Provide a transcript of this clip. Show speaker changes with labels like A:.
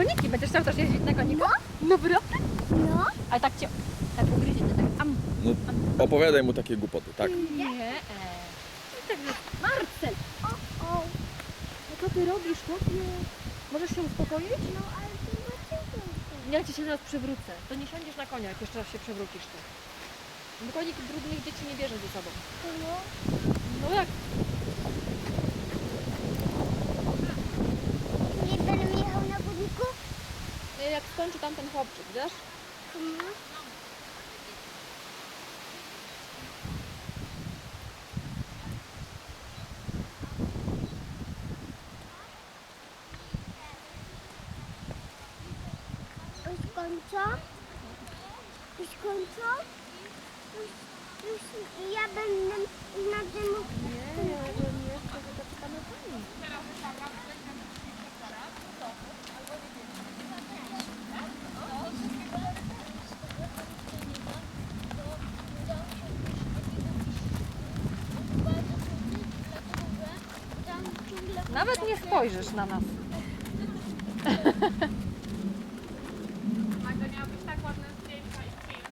A: koniki. Będziesz chciał też jeździć na koniku? No. Naprawdę?
B: No.
A: Ale tak cię, tak ugryzie, tak
C: No, opowiadaj mu takie głupoty, tak?
A: Nie. Także, Marcel,
B: O.
A: no co ty robisz, chłopie? Możesz się uspokoić?
B: No, ale to dlaczego?
A: Ja ci się zaraz przewrócę. To nie siądziesz na konia, jak jeszcze raz się przewrócisz tu. Bo konik brudnych dzieci nie bierze ze sobą.
B: No.
A: No jak?
B: Nie będę jechał na chodniku?
A: Jak skończy tam ten chłopczyk, wiesz?
B: No. Już kończą? Już kończą? Już ja będę na tym...
A: Nie, ja nie chcę, że zaczekamy pani. Nawet nie spojrzysz na nas.